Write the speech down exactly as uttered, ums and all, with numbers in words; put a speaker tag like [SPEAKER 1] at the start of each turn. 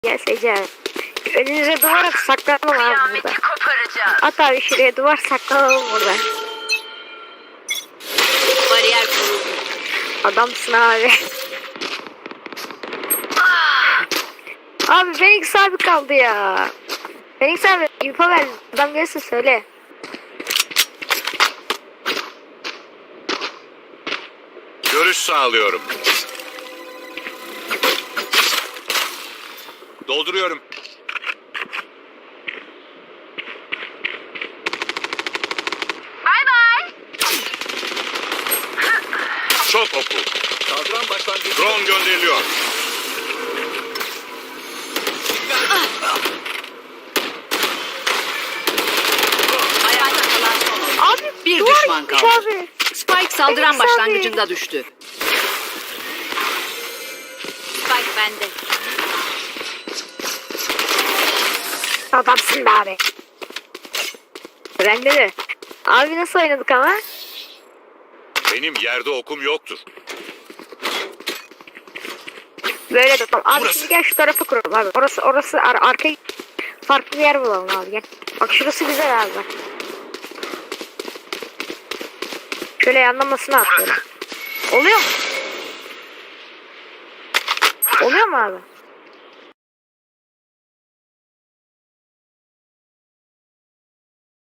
[SPEAKER 1] Gel Ece. Önünüze duvar at, saklanalım abi burada. At abi şuraya duvar, saklanalım burada.
[SPEAKER 2] Bariyer kuruldu.
[SPEAKER 1] Adamsın abi. Abi Phoenix abi kaldı ya. Phoenix abi info ver. Adam gelirse söyle.
[SPEAKER 3] Görüş sağlıyorum. Dolduruyorum.
[SPEAKER 2] Bay bay.
[SPEAKER 3] Çok oku.
[SPEAKER 4] Saldıran başlangıcı.
[SPEAKER 3] Drone gönderiliyor.
[SPEAKER 2] Ayakta kalan son.
[SPEAKER 1] Abi
[SPEAKER 2] Bir
[SPEAKER 1] duvar
[SPEAKER 2] düşman
[SPEAKER 1] gitmiş
[SPEAKER 2] kaldı.
[SPEAKER 1] abi.
[SPEAKER 2] Spike saldıran
[SPEAKER 1] Phoenix abi.
[SPEAKER 2] başlangıcında düştü. Spike bende.
[SPEAKER 1] Adamsın be abi. Bende de. Abi nasıl oynadık ama?
[SPEAKER 3] Benim yerde okum yoktur.
[SPEAKER 1] Böyle de tamam. Abi
[SPEAKER 3] Burası.
[SPEAKER 1] şimdi gel şu tarafa kuralım abi. Orası orası ar arka farklı bir yer bulalım abi gel. Bak şurası güzel abi bak. Şöyle yanlamasına at böyle. Oluyor mu? Oluyor mu abi?